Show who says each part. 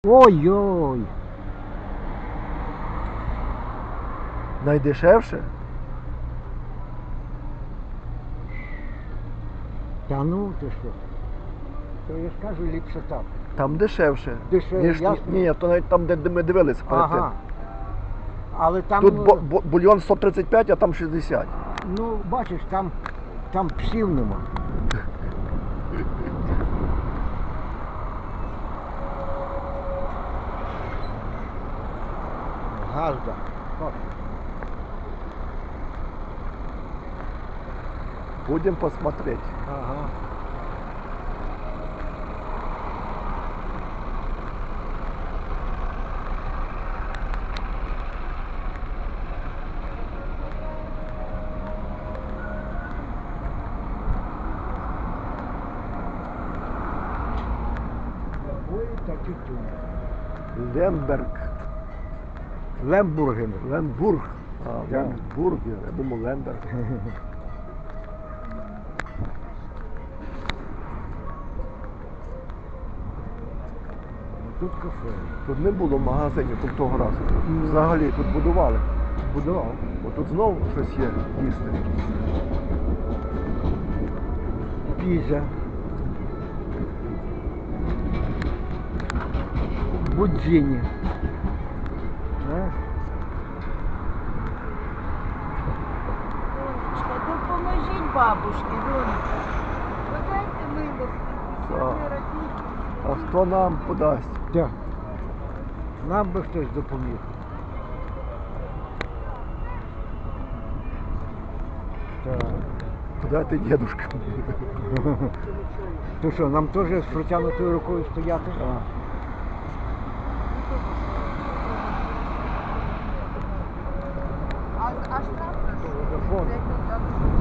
Speaker 1: Ой-ой.
Speaker 2: Найдешевше?
Speaker 1: Та ну ти що? То я ж кажу, ліпше так.
Speaker 2: Там дешевше.
Speaker 1: Дешевше,
Speaker 2: Ніж,
Speaker 1: ясно.
Speaker 2: ні, то навіть там, де ми дивилися перед
Speaker 1: Ага.
Speaker 2: тим.
Speaker 1: Але там,
Speaker 2: Тут бульйон 135, а там 60.
Speaker 1: ну, бачиш, там псів нема. Газда.
Speaker 2: Будем посмотреть.
Speaker 1: Ага. Ой, так і тут.
Speaker 2: Лемберг.
Speaker 1: Лембурген.
Speaker 2: Ленбург. А,
Speaker 1: Да.
Speaker 2: Ленбургер. Я думав Лемберг.
Speaker 1: Тут кафе.
Speaker 2: Тут не було магазинів тут того разу. Взагалі тут будували.
Speaker 1: Будував.
Speaker 2: Отут знову щось є їсти.
Speaker 1: Піза. Будзіні. Знаєш?
Speaker 3: Донечка, допоможіть бабушці, донечка. Подайте милості,
Speaker 2: Так.
Speaker 3: не робіть.
Speaker 2: А хто нам подасть?
Speaker 1: Так. Нам би хтось допоміг. Так.
Speaker 2: Подайте дідушка.
Speaker 1: То що, нам теж з протягнутою рукою стояти?
Speaker 3: А штраф?
Speaker 1: Телефон.